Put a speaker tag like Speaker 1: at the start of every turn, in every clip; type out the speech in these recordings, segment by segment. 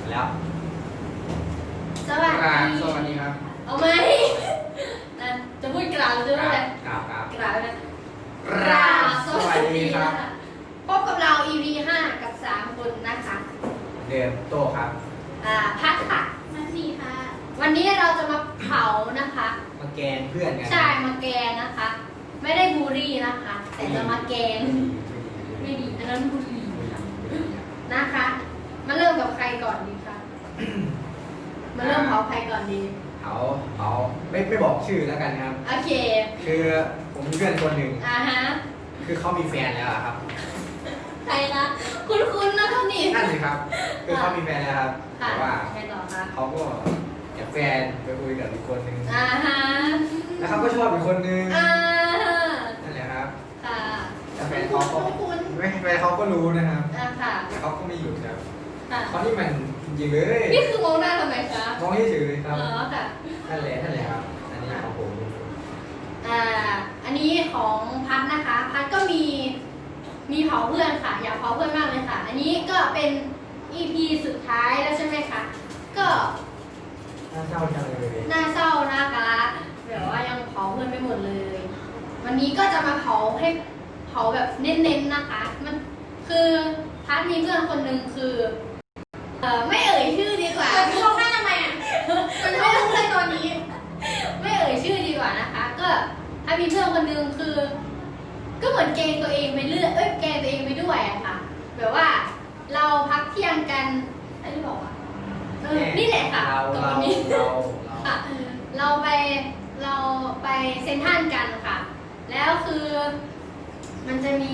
Speaker 1: แล้ว
Speaker 2: สวัสดี
Speaker 1: ครับ
Speaker 2: เอาไหมนะจะพูดกล่าวจะพูดอะไร
Speaker 1: กล่าว
Speaker 2: นะ
Speaker 1: สวัสดีครับ
Speaker 2: พบกับเรา EP 5 กับ 3 คนนะคะ
Speaker 1: เดิมโตครับ
Speaker 2: พัดค่ะ
Speaker 3: มันดีค่ะ
Speaker 2: วันนี้เราจะมาเผานะคะ
Speaker 1: มาแกนเพื่อนกัน
Speaker 2: ใช่มาแกงนะคะ ไม่ได้บูรี่นะคะ แต่จะมาแกงไม่ดีอันนั้นบูรี่นะคะมาเริ่มกับใครก่อนดีคะมาเริ่มเผาใครก่อนดี
Speaker 1: เผาไม่บอกชื่อแล้วกันครับ
Speaker 2: โอเค
Speaker 1: คือผมมีเพื่อนคนหนึ่ง
Speaker 2: ฮะ
Speaker 1: คือเขามีแฟนแล้วครับ
Speaker 2: ใครนะคุณนะท่านนี่
Speaker 1: นั่นสิครับคือเขามีแฟนแล้วครับแต่ว่าเขาก็แอบแฟนไปคุยกับอีกคนหนึ่ง
Speaker 2: ฮะ
Speaker 1: แล้วเขาก็ชอบอีกคนนึงนั่นแหละครับ
Speaker 2: ค่ะ
Speaker 1: แต่แฟนเขาก็ไม่แฟนเขาก็รู้นะครับ
Speaker 2: ค่ะ
Speaker 1: แต่เขาก็ไม่หยุดครับเขาที่มันจริงๆเลย
Speaker 2: นี่คือมองหน้าทำไมคะ
Speaker 1: มองเฉยๆครับ
Speaker 2: ค่ะ
Speaker 1: นั่นแหละครับอันนี้ของผม
Speaker 2: อันนี้ของพัดนะคะพัดก็มีเผาเพื่อนค่ะอยากเผาเพื่อนมากเลยค่ะอันนี้ก็เป็น EP สุดท้ายแล้วใช่ไหมคะก็
Speaker 1: น่าเศร้าจังเลย
Speaker 2: น่าเศร้านะคะแบบว่ายังเผาเพื่อนไม่หมดเลยวันนี้ก็จะมาเผาแบบเน้นๆนะคะมันคือพัดมีเพื่อนคนหนึ่งคือไม่เอ่ยชื่อดีกว่า
Speaker 3: ลงหน้าทำไมอ่ะมันไม่รู้เลยตอนนี้
Speaker 2: ไม่เอ่ยชื่อดีกว่านะคะก็ถ้ามีเพื่อนคนหนึ่งคือก็เหมือนเกงตัวเองไปเรื่อยเกงตัวเองไปด้วยอะค่ะแบบว่าเราพักเที่ยงกันอะไรที่บอกว่านี่แหละค่ะตรงนี้ค่ะเราไปเซ็นทรัลกันค่ะแล้วคือมันจะมี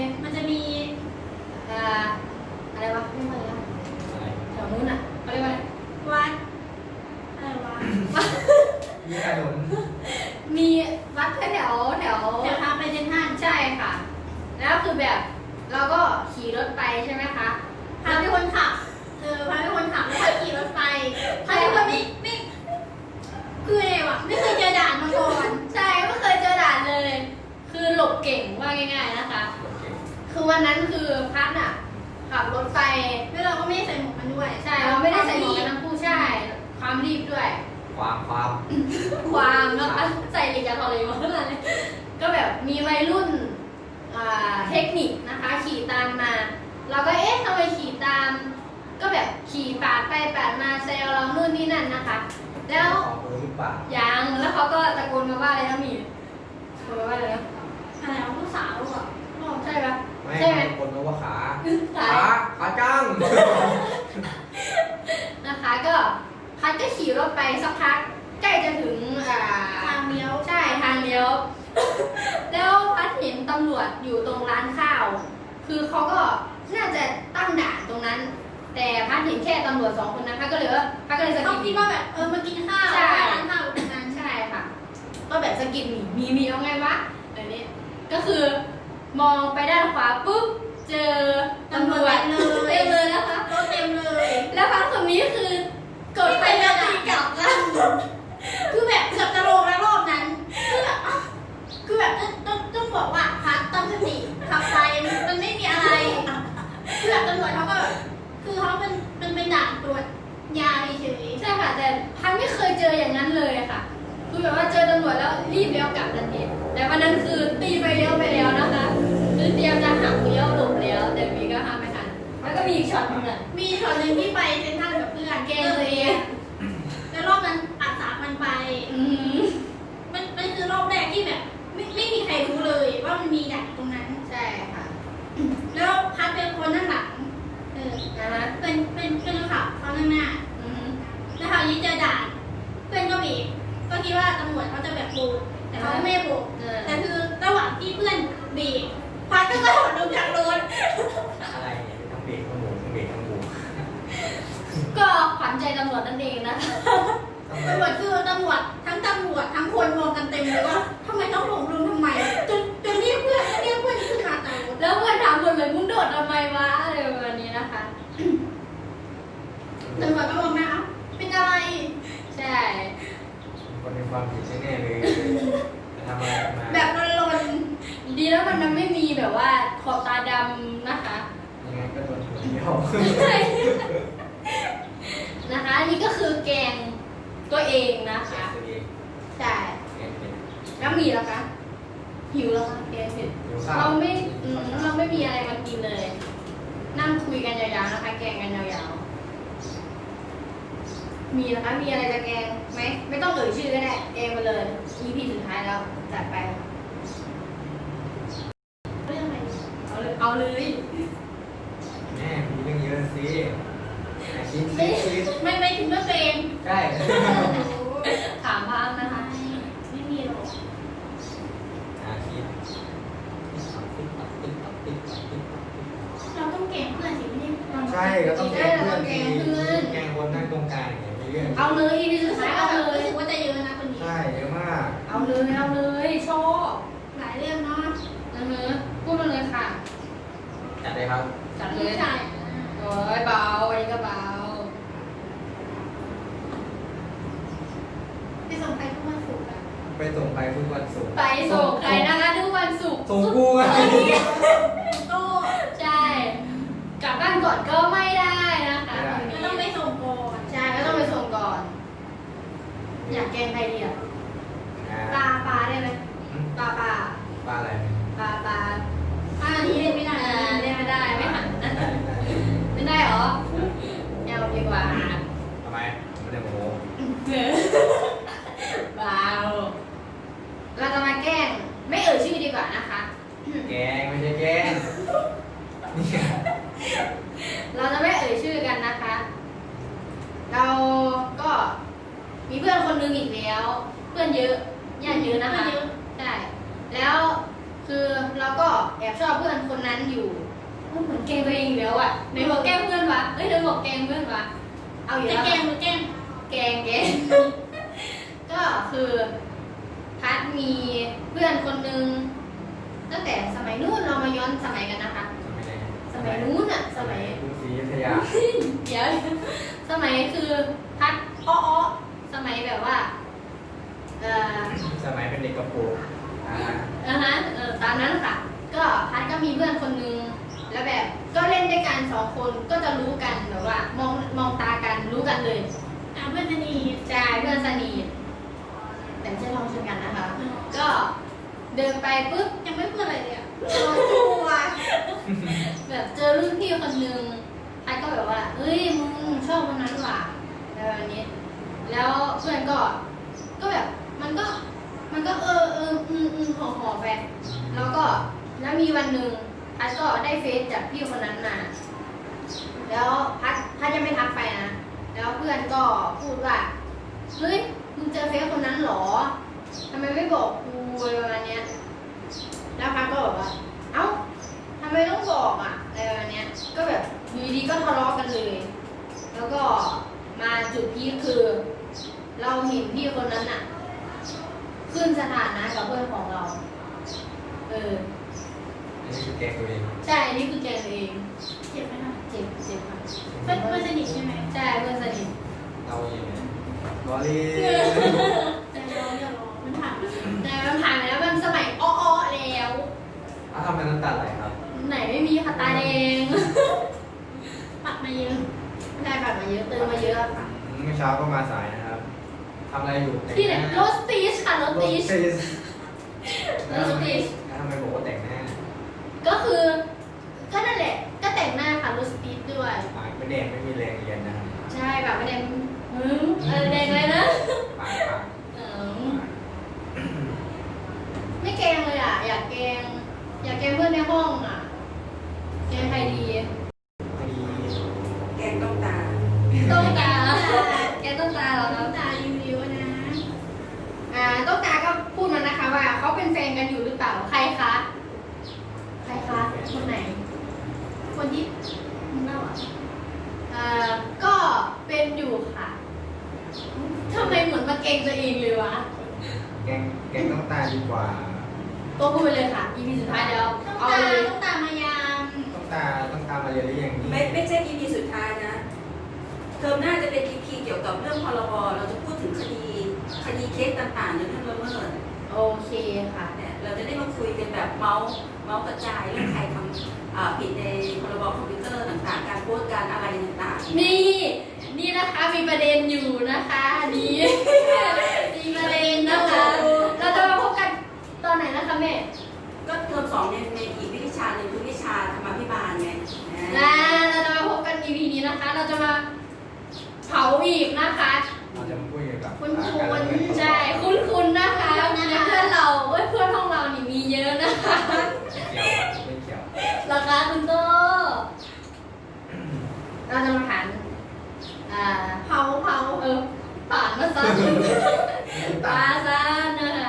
Speaker 2: อะไรวะไม่มาแล้วแถวนู้นอ่ะเขาเรียกว่าอะไร
Speaker 3: วัดอะไรวะ
Speaker 1: มีถนน
Speaker 2: มีวัดแถว
Speaker 3: ทางไปเซ็นทรัล
Speaker 2: ใช่ค่ะแล้วคือแบบเราก็ขี่รถไปใช่ไหมคะ
Speaker 3: พาไปคนขับพาไปคนขับแล้วขี่รถไปพาไปคนไม่คือไงวะไม่เคยเจอด่านมาก่อน
Speaker 2: ใช่ไม่เคยเจอด่านเลยคือหลบเก่งว่าง่ายๆนะคะคือวันนั้นคือพัดอ่ะขับรถไป
Speaker 3: แล้วเราก็ไม่ได้ใส่หมวกกันด้วย
Speaker 2: ใช่เราไม่ได้ใส่หมวกกันทั้งคู่ใช่ความรีบด้วย
Speaker 1: ความ
Speaker 2: แล้วใส่เหล็กยาทอเลยมาขนาดนี้ก็แบบมีวัยรุ่นเทคนิคนะคะขี่ตามมาเราก็ทำไมขี่ตามก็แบบขี่ปาดไปปาดมาแซวเรานู่นนี่นั่นนะคะแล้วยังแล้วเขาก็ตะโกนมาว่าอะไรนะมีตะโกนมาว่าอะไรนะ
Speaker 3: อะไรเอาผู้สาวหรอ
Speaker 2: ใช่ปะ
Speaker 1: ใช่ไหมคนบอกว่าขาจัง
Speaker 2: นะคะก็พัดก็ขี่รถไปสักพักใกล้จะถึง
Speaker 3: ทางเลี้ยว
Speaker 2: ใช่ทางเลี้ยวแล้วพัดเห็นตำรวจอยู่ตรงร้านข้าวคือเขาก็น่าจะตั้งด่านตรงนั้นแต่พัดเห็นแค่ตำรวจ2 คนนะพัดก็เลยสกิด
Speaker 3: คิดว่าแบบมากินข้าวร้านข้าวตรงนั้น
Speaker 2: ใช่ค่ะก็แบบสกิดมีเอาไงวะแบบนี้ก็คือมองไปด้านขวาปุ๊บเจอตำรวจเต็มเลยนะคะ
Speaker 3: รถเต็มเลย
Speaker 2: แล้วพัดคนนี้คือกดไปแล้วตีกลับนะ
Speaker 3: คือแบบเกือบจะลงแล้วรอบนั้นคือแบบต้องบอกว่าพัดตั้งสติขับไปมันไม่มีอะไรคือแบบตำรวจเขาก็คือเขาเป็นด่านตรวจยาเฉย
Speaker 2: ใช่ค่ะแต่พัดไม่เคยเจออย่างนั้นเลยค่ะคือแบบว่าเจอตำรวจแล้วรีบเลี้ยวกลับทันทีแต่วันนั้นคือตีไปเลี้ยวไปแล้วนะคะคือเตรียมจะหักเลี้ยวหลบแล้วแต่มีก็ห้ามไม่ทันแล้วก็มีอีกช็อตนึงอ่ะ
Speaker 3: มีช็อตนึงที่ไปเซ็นทรัลกับเพื่อน
Speaker 2: เกมตัวเอง
Speaker 3: แล้วรอบนั้นอัดสามันไปมันคือรอบแรกที่แบบไม่มีใครรู้เลยว่ามันมีด่านตรงนั้น
Speaker 2: ใช่ค่ะ
Speaker 3: แล้วพัดเป็นคนนั่งหลังเป็นคนขับเขานั่งหน้าแล้วคราวนี้เจอด่านเพื่อนก็เบรกก็คิดว่าตำรวจเขาจะแบบโบกแต่เขาไม่โบกแต่คือระหว่างที่เพื่อนเบรกพัดก็กระโดดลงจากรถ
Speaker 1: อะไรเนี่ยทั้งเบรกทั้งโบก
Speaker 2: ก็ขวัญใจตำรวจนั่นเองนะ
Speaker 3: ตำรวจคือตำรวจทั้งคนมองกันเต็มเลยว่าทำไมต้องลงทำไมจนเรียกเพื่อนขึ้นมาตาม
Speaker 2: แล้วเพื่อนถามหมดเลยมึงโดดทำไมวะอะไรประมาณนี้นะคะ
Speaker 3: ตำรวจก็มองหน้าเป็นอะไร
Speaker 2: ใช่
Speaker 1: คนมีความผิดแน่เลยทำอะไรมา
Speaker 3: แบบลน
Speaker 2: ดีแล้วมันไม่มีแบบว่าขอบตาดำนะคะ
Speaker 1: ยังไงก็โดนหัวเที่ยว
Speaker 2: มี่แล้วคะหิวแล้วคะแกงเสร็จ
Speaker 1: หิวข้าว
Speaker 2: เราไม่มีอะไรมากินเลย นั่งคุยกันยาวๆนะคะ แกงกันยาวๆมีนะคะมีอะไรจะแกงไหมไม่ต้องเอ่ยชื่อก็ได้แกงมาเลย EP สุดท้ายแล้วจัดไปค่ะ
Speaker 3: เรื่องอะไร
Speaker 2: เอาเลย
Speaker 1: แม่มีเรื่องเยอะสิคิด
Speaker 3: ไม่ถึงเรื่องตัวเอง
Speaker 1: ใช่
Speaker 2: ถามพังนะคะ
Speaker 3: ไม่มีหรอก
Speaker 1: คิด
Speaker 3: เราต้องแกล้งเพื่อนสิไม่ได้
Speaker 1: ใช่ก็ต้องแกล้งเพื่อนสิแกล้งคนนั่งตรงกลางอย่างเงี้ย
Speaker 2: เอาเลย EP สุดท้ายเอาเลย
Speaker 3: รู้สึกว่าจะเยอะนะคนนี้
Speaker 1: ใช่เยอะมาก
Speaker 2: เอาเลยชอบ
Speaker 3: หลายเรื่องเนาะ
Speaker 2: พูดมาเลยค่ะ
Speaker 1: จัดเลยครับ
Speaker 2: จัดเล
Speaker 3: ผู้
Speaker 2: ย
Speaker 3: ชาย
Speaker 2: โอ้ยเบาอันนี้ก็เบา
Speaker 3: ไปส่งไปทุกวันศุกร์อะ
Speaker 1: ไปส่งไปทุกวันศุกร์
Speaker 2: ไปส่งใครนะคะทุกวันศุกร์
Speaker 1: ส่งกูไง
Speaker 3: โต้
Speaker 2: ใช่ กลับบ้านก่อนก็ไม่ได้นะคะ
Speaker 3: ก็ต้องไปส่งก่อน
Speaker 2: ใช่ก็ต้องไปส่งก่อน อยากแกงใครดีอ่ะปลาได้ไหมปลา
Speaker 1: ปลาอะไร
Speaker 3: อันนี้เล่นไม่ได้
Speaker 2: เล่นไม่ได้ไม่หันไม่ได้เหรอเอาดีกว่า
Speaker 1: ทำไมไม่ได้โม้
Speaker 2: เบาเราจะมาแกล้งไม่เอ่ยชื่อดีกว่านะคะ
Speaker 1: แกงไม่ใช่แกงนี่
Speaker 2: เราจะไม่เอ่ยชื่อกันนะคะ เราก็มีเพื่อนคนนึงอีกแล้ว เพื่อนเยอะญาติเยอะนะคะใช่แล้วคือเราก็แอบชอบเพื่อนคนนั้นอยู่เหมือนแกล้งตัวเองอยู่แล้วอ่ะในบอกแกล้งเพื่อนวะเอ้ยในบอกแกล้งเพื่อนวะเอาอยู่
Speaker 3: จะ
Speaker 2: แล้ว
Speaker 3: แกล้งหรือแกล้ง
Speaker 2: แกล้ง ก็คือพัดมีเพื่อนคนนึงตั้งแต่สมัยนู้นเรามาย้อนสมัยกันนะคะ สมัยนู้นอ่ะสมัย
Speaker 1: กรุงศรีอยุธยา
Speaker 2: เดี๋ยวสมัยคือพัดอ้อสมัยแบบว่าเ
Speaker 1: สมัยเป็นเด็กกระโปรง
Speaker 2: ตามนั้นค่ะ ก็พัดก็มีเพื่อนคนนึงแล้วแบบก็เล่นด้วยกันสองคนก็จะรู้กันแบบว่ามองตากันรู้กันเลย
Speaker 3: เพื่อนสนิท
Speaker 2: ใช่เพื่อนสนิทแต่ไม่ใช่ลองชนกันนะคะ ก็เดินไปปุ๊บ
Speaker 3: ยังไม่พูดอะไรเลยอะ
Speaker 2: แบบเจอรุ่นพี่คนนึงพัดก็แบบว่าเฮ้ยมึงชอบคนนั้นว่ะอะไรแบบนี้ แล้วเพื่อนก็แบบมันก็ห่อไปแล้วก็แล้วมีวันหนึ่งพัดก็ได้เฟซจากพี่คนนั้นมาแล้วพัดยังไม่ทักไปนะแล้วเพื่อนก็พูดว่าเฮ้ยมึงเจอเฟซคนนั้นหรอทำไมไม่บอกกูอะไรประมาณเนี้ยแล้วพัดก็บอกว่าเอ้าทำไมต้องบอกอ่ะอะไรประมาณเนี้ยก็แบบอยู่ดีๆก็ทะเลาะกันเลย แล้วก็มาจุดพีคคือ เราเห็นพี่คนนั้นอ่ะ ขึ้นสถานะกับเพื่อนของเรา
Speaker 1: อันนี้คือแกงตัวเอง
Speaker 2: ใช่อันนี้คือแกตัวเอง
Speaker 3: เจ็บไหมคะ
Speaker 2: เจ็บค่ะ
Speaker 3: เพื่อนสนิทใช่ไหม
Speaker 2: ใช่เพื่อนสนิท
Speaker 1: เราเองบอลลี่
Speaker 3: แต่เราอย่ารอมันผ่านมา
Speaker 2: แต่มันผ่านไปแล้วมันสมัยอ้อๆแล้ว
Speaker 1: ทำไมน้ำตาไหลครับ
Speaker 2: ไหนไม่มีค่ะตาแดง
Speaker 3: ปัดมาเยอะ
Speaker 2: ไม่ได้ผ่านมาเยอะเติมมาเยอะค่ะ
Speaker 1: เมื่อเช้าก็มาสายนะครับทำอะไรอยู่
Speaker 2: ที่ไหนโรสตีชค่ะโรสตีช
Speaker 1: แล้วทำไมบอกว่าแต่งหน้า
Speaker 2: ก็คือก็นั่นแหละ ก็แต่งหน้าค่ะโรสตีชด้วย
Speaker 1: ปากไม่แดงไม่มีแรงเรียนนะครับ
Speaker 2: ใช่แบบไม่แดงแดงเลยนะ
Speaker 1: ปาก
Speaker 2: เออไม่แกล้งเลยอ่ะ อยากแกล้งเพื่อนในห้องอ่ะ แกล้งใครดี
Speaker 1: ดี
Speaker 4: แกงต้องตา
Speaker 2: ต้องตาแกต้องตาเหรอครับ
Speaker 3: ตาริวๆนะ
Speaker 2: ต้องตาก็พูดมานะคะว่าเขาเป็นแฟนกันอยู่หรือเปล่า ใครคะ ใครคะคนไหน
Speaker 3: คนที่มึงเล่าอ่ะ
Speaker 2: ก็เป็นอยู่ค่ะทำไมเหมือนมาเกรงตัวเองเลยวะ
Speaker 1: แกงต้องตาดีกว่า
Speaker 2: ตัวพูดไปเลยค่ะ EP สุดท้ายแล้ว
Speaker 3: ต้อง
Speaker 2: เอา
Speaker 3: ตา
Speaker 2: เลย
Speaker 3: ต้องตามายาม
Speaker 1: ต้องตามมาเรียนหรือยังนี่
Speaker 4: ไม่ใช่ EP สุดท้ายนะ เทอมหน้าจะเป็น EP เกี่ยวกับเรื่องพรบเราจะพูดถึงคดีเคสต่างๆในเรื่องละเมิด
Speaker 2: โอเคค่ะ
Speaker 4: เนี่ยเราจะได้มาคุยกันแบบเมาส์กระจายเรื่องใครทำผิดในพรบคอมพิวเตอร์ต่างๆ การโพสต์การอะไรต่างๆ
Speaker 2: นี่นะคะมีประเด็นอยู่นะคะนี่มีประเด็นนะคะ เราจะมาพบกันแม่
Speaker 4: ก็เทอม2ในอีกวิชาหนึ่งคือวิชาธรรมาภิบาลไง
Speaker 2: และเราจะมาพบกัน EP นี้นะคะ เราจะมาเผาอีกนะคะ
Speaker 1: เราจะมาพูดเกี่ยวกับ
Speaker 2: คุณ
Speaker 1: การเรียนรู้
Speaker 2: ใช่คุณนะคะเพื่อนเราเพื่อนห้องเรานี่มีเยอะนะคะ
Speaker 1: ไม่เกี่ยว
Speaker 2: ราคาคุณโตเราจะมาถามเผาป่านมาซะปาซะนะคะ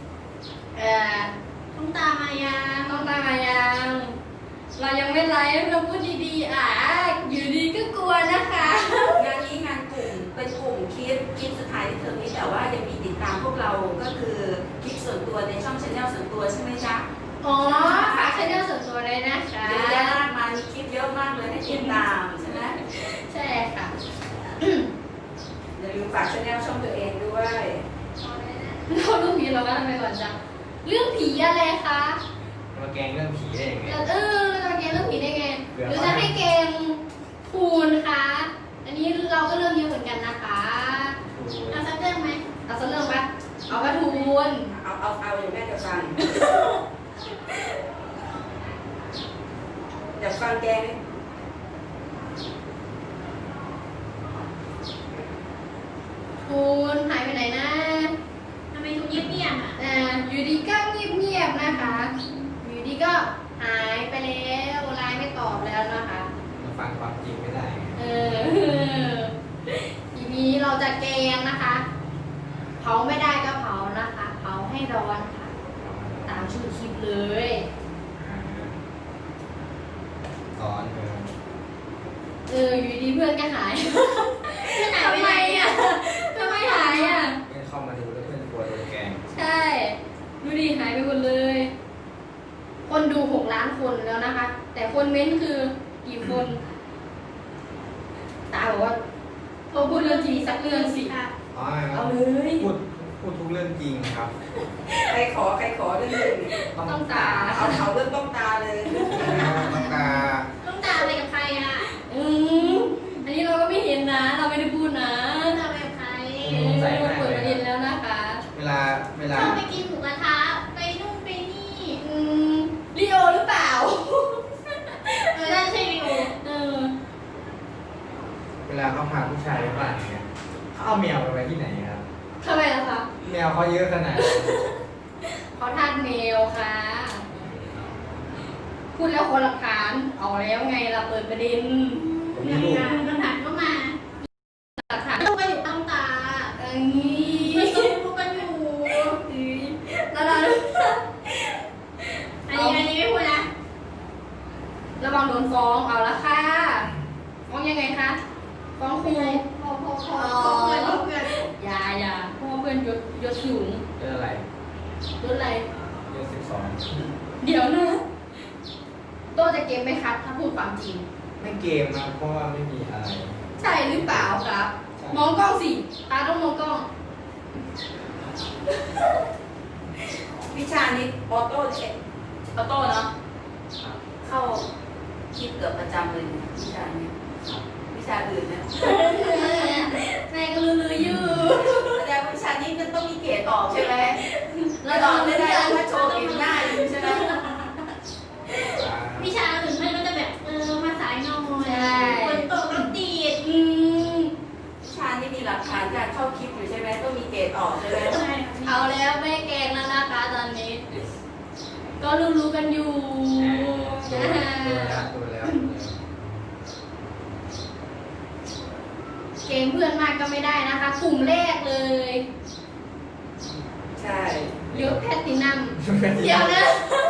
Speaker 3: ต้องตามมายัง
Speaker 2: ต้องตามมายังเรายังไม่ไลฟ์เราพูดดีๆอยู่ดีก็กลัวนะคะ
Speaker 4: งานนี้งานกลุ่มเป็นกลุ่มคลิปสุดท้ายที่เทอมนี้แต่ว่ายังมีติดตามพวกเราก็คือคลิปส่วนตัวในช่องชาแนลส่วนตัวใช่ไหมจ๊ะ
Speaker 2: อ๋อฝากช่องส่วนตัวเลยนะคะ
Speaker 4: เยอะแยะมากมายมีคลิปเยอะมากเลยให้ติดตามใช่ไหม
Speaker 2: ใช่ค่ะ
Speaker 4: อย่าลืมฝากชาแนลช่องตัวเองด้วย
Speaker 2: เราเรื่องผีเราก็ทำไปก่อนจ้ะเรื่องผีอะไรคะ
Speaker 1: มาแกงเรื่องผีได้ยังไง
Speaker 2: เราจะมาเกมเรื่องผีได้ไงหรือจะให้เกมคูณคะอันนี้เราก็เริ่มเยอะเหมือนกันนะคะ
Speaker 3: เอาสักเรื่องไหม
Speaker 2: เอาสักเรื่องปะเอากระทูน
Speaker 4: เอาอย่างแม่จะฟังอยากฟังแกไหม
Speaker 2: คูณหายไปไหนนะ
Speaker 3: ทำไมทุกเงียบๆอ่ะ
Speaker 2: อยู่ดีก็เงียบๆนะคะ อยู่ดีก็หายไปแล้วไลน์ไม่ตอบแล้วนะคะ
Speaker 1: มาฟังความจริงไม่ได้ไง
Speaker 2: ทีนี้เราจะแกงนะคะ เผาไม่ได้ก็เผานะคะ เผาให้ร้อนค่ะ ตามชื่อคลิปเลย
Speaker 1: สอน
Speaker 2: อยู่ดีเพื่อนก็หาย ทำไมอ่ะทำไมหายอ่ะ
Speaker 1: เพื่อนเข้ามาดูแล้วเพื่อนกลัวโดนแกง
Speaker 2: ใช่ ดูดิหายไปหมดเลย คนดู6 ล้านคนแล้วนะคะ แต่คนเม้นคือกี่คน ตาบอกว่าโทรพูดเรื่องจริงสักเรื่องสิ
Speaker 3: ค่ะ
Speaker 1: อ๋อ
Speaker 2: เอาเลย
Speaker 1: พูดทุกเรื่องจริงครับ
Speaker 4: ใครขอเรื่องหนึ่ง
Speaker 2: ต้องตา
Speaker 4: เอาเรื่องต้องตาเลย
Speaker 1: ต้องตา
Speaker 3: ต้องตามไปกับใครอ่ะ
Speaker 2: อันนี้เราก็ไม่เห็นนะ เราไม่ได้พูดนะ
Speaker 3: ต้องตามไปกับใคร
Speaker 2: เปิดประเด็นแล้วนะคะ
Speaker 1: เวลา
Speaker 3: ชอบไปกินหมูกระทะไปนู่นไปนี่
Speaker 2: ลีโอหรือเปล่า
Speaker 3: น่าจะใช่วิว
Speaker 1: เวลาเขาพาผู้ชายไปบ้านอย่างเงี้ยเขาเอาแมวไปที่ไหนครับ
Speaker 2: ทำไมล่ะคะ
Speaker 1: แมวเขาเยอะขนาดนั้น
Speaker 2: เขาทานเมลค่ะ พูดแล้วคนหลักฐานเอาแล้วไงเราเปิดประเด็น
Speaker 1: ผมมีลูก
Speaker 3: คำถามก็มา
Speaker 2: หลักฐาน
Speaker 3: ลูกก็อยู่ต้องตา
Speaker 2: อันนี้
Speaker 3: ไม่ต้องลูกกันอยู่
Speaker 2: แล้วเรา
Speaker 3: อันนี้ไม่พูดนะ
Speaker 2: ระวังโดนฟ้องเอาละค่ะฟ้องยังไงคะฟ้องครู
Speaker 3: พอเพื่อน
Speaker 2: อย่าเพราะว่าเพื่อนยศสูง
Speaker 1: เรื่องอะไร
Speaker 2: ยศอะไร
Speaker 1: เรื่อง12
Speaker 2: เดี๋ยวนะโต้จะเกมไหมครับ ถ้าพูดความจริง
Speaker 1: ไม่เกมนะเพราะว่าไม่มีอะไร
Speaker 2: ใช่หรือเปล่าครับ
Speaker 1: ใช่
Speaker 2: มองกล้องสิตาต้องมองกล้อง
Speaker 4: วิชานี้ออโต้เนาะเข้าคิดเกือบประจำเลยวิชานี้วิชาอื่นเนี่ย
Speaker 2: แม่ก็ลืออยู่
Speaker 4: แสดงว่าวิชานี้มันต้องมีเกรดออกใช่ไหม
Speaker 2: เรา
Speaker 4: อ
Speaker 2: ต้อ
Speaker 4: อง กไม่
Speaker 2: เลื
Speaker 4: ได้
Speaker 2: อก
Speaker 4: ถ้าโชว์เห็นหน้าอยู่ใช่ไหม
Speaker 3: วิชาอื่นเพื่อนก็จะแบบมาสายหน่อยคนตกรถติด
Speaker 4: วิชานี้มีหลักฐานการเข้าคลิปอยู่ใช่ไหมต้องมีเกรดออกใช่ไหม
Speaker 3: ใช่
Speaker 2: เอาแล้วแม่แกงแล้วนะคะตอนนี้ ก็รู้กันอยู่
Speaker 1: ตัวแล้ว
Speaker 2: เกมเพื่อนมากก็ไม่ได้นะคะ กลุ่มแรกเลย
Speaker 4: ใช่
Speaker 2: ยศแพตตินัมเดี๋ยวนะ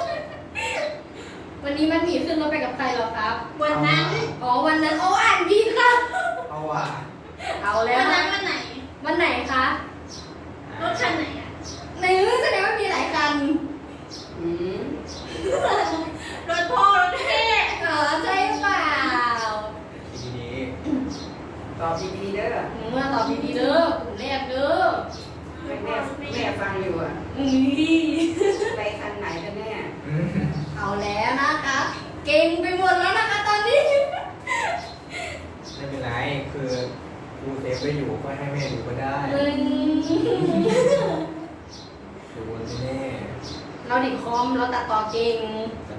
Speaker 2: วันนี้มันหนีขึ้นรถไปกับใครเหรอครับ
Speaker 3: วันนั้น
Speaker 2: วันนั้นอ่านผิดค่ะ
Speaker 1: เอาว่ะ
Speaker 2: เอาแล้
Speaker 3: วั
Speaker 2: วน
Speaker 3: นั้นวันไหน
Speaker 2: วันไหนคะ
Speaker 3: รถคันไหนอ่ะ
Speaker 2: ในแสดงว่ามีหลายคัน
Speaker 4: อืม
Speaker 3: รถพ่อรถแม่
Speaker 2: ใช่เปล่า
Speaker 1: ทีนี้
Speaker 4: ตอบดีๆเด้อ
Speaker 2: เมื่อตอบดีๆเด้อกลุ่มแรกเด้อ
Speaker 4: แม่ฟังอยู่อ่ะ ไปคันไหนกันแน่
Speaker 2: เอาแล้วนะคะ เก่งไปหมดแล้วนะคะตอนนี้
Speaker 1: ไม่เป็นไรคือดูเซฟไว้อยู่ก็ให้แม่ดูก็ได้ดูวันแน่
Speaker 2: เราเด็กคอมเราตัดต่อเก่ง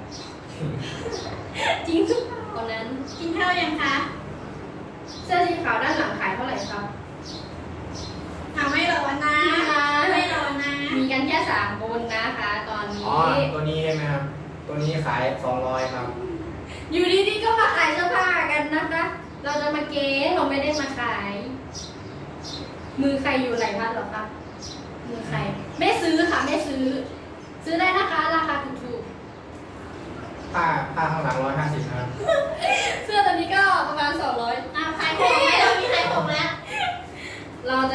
Speaker 2: จริงทุกคนนั้น
Speaker 3: กินข้าวยังคะ
Speaker 2: เสื้อสีขาวด้านหลังขายเท่าไหร่ครับ
Speaker 3: ไม่ร้อนนะไม่ร้อนนะ
Speaker 2: มีกันแค่3 คนนะคะ ตอนนี้
Speaker 1: อ๋อตัวนี้ใช่ไหมครับ ตัวนี้ขาย200ครับ
Speaker 2: อยู่ดีๆก็มาขายเสื้อผ้ากันนะคะ เราจะมาเก๊เราไม่ได้มาขาย มือใครอยู่ไหนพัดหรอครับ มือใคร ไม่ซื้อค่ะไม่ซื้อ ซื้อได้นะคะ ราคาถูก
Speaker 1: ผ้าข้างหลัง150ครับ
Speaker 2: ๆ เสื้อตัวนี้ก็ประมาณ200
Speaker 3: ขายของไหมเรามีขายของแล้ว
Speaker 2: เราจะ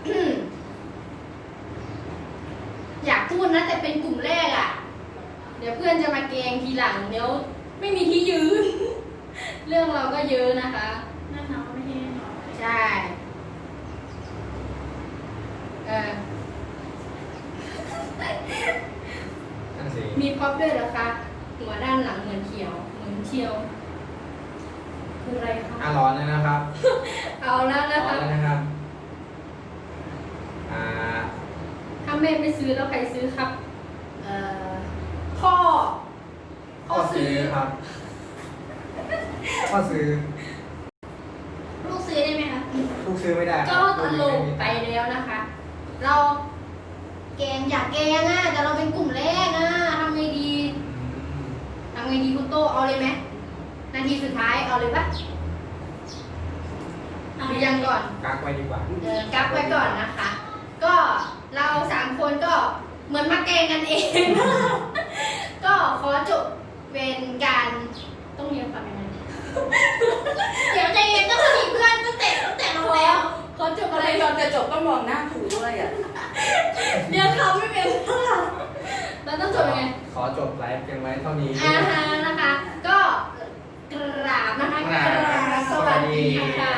Speaker 2: อยากพูดนะแต่เป็นกลุ่มแรกอ่ะ เดี๋ยวเพื่อนจะมาแกงทีหลังเดี๋ยวไม่มีที่ยืน เรื่องเราก็เยอะนะคะ
Speaker 3: นั่นเนาะไม่ใช่เนาะ
Speaker 2: ใช่เออ
Speaker 1: นั่นสิ
Speaker 2: มีพ็อปด้วยเหรอคะ หัวด้านหลังเหมือนเขียว เหมือนเชียว คืออะไรคะ
Speaker 1: ร้อนแล้วนะครับ
Speaker 2: เอาแล้วนะ
Speaker 1: ร้อน
Speaker 2: คะ
Speaker 1: แล้วนะครับ
Speaker 2: ถ้าแม่ไม่ซื้อแล้วใครซื้อครับ พ่อ
Speaker 1: ข้อซื้อครับข้อซื้อ
Speaker 3: ลูกซื้อได้ไหมคะ
Speaker 1: ลูกซื้อไม่ได้
Speaker 2: ก็ตลกไปแล้วนะคะ เราแกงอยากแกงอ่ะแต่เราเป็นกลุ่มแรกอ่ะทำไงดีทำไงดีคุณโตเอาเลยไหมนาทีสุดท้ายเอาเลยปะหรือยังก่อน
Speaker 1: กักไว้ดีกว่า
Speaker 2: กักไว้ก่อนนะคะ ก็เรา3 คนก็เหมือนมาแกงกันเอง ก็ขอจบเป็นการต้องเรียนฟังยังไง
Speaker 3: เดี๋ยวใจเย็นต้องมีเพื่อนตั้งแต่ลงแล้ว
Speaker 2: ขอจบ
Speaker 4: อะ
Speaker 2: อะไร ไร
Speaker 4: ตอนจะจบต้องมองหน้าครูด้วยอ่ะ
Speaker 2: เดี๋ยวเขาไม่เป็นเราต้องจบยังไง
Speaker 1: ขอจบไลฟ์เพียงไว้เท่านี้
Speaker 2: นะคะ ก็กราบนะคะ
Speaker 1: กราบ
Speaker 2: สวัสดีค่ะ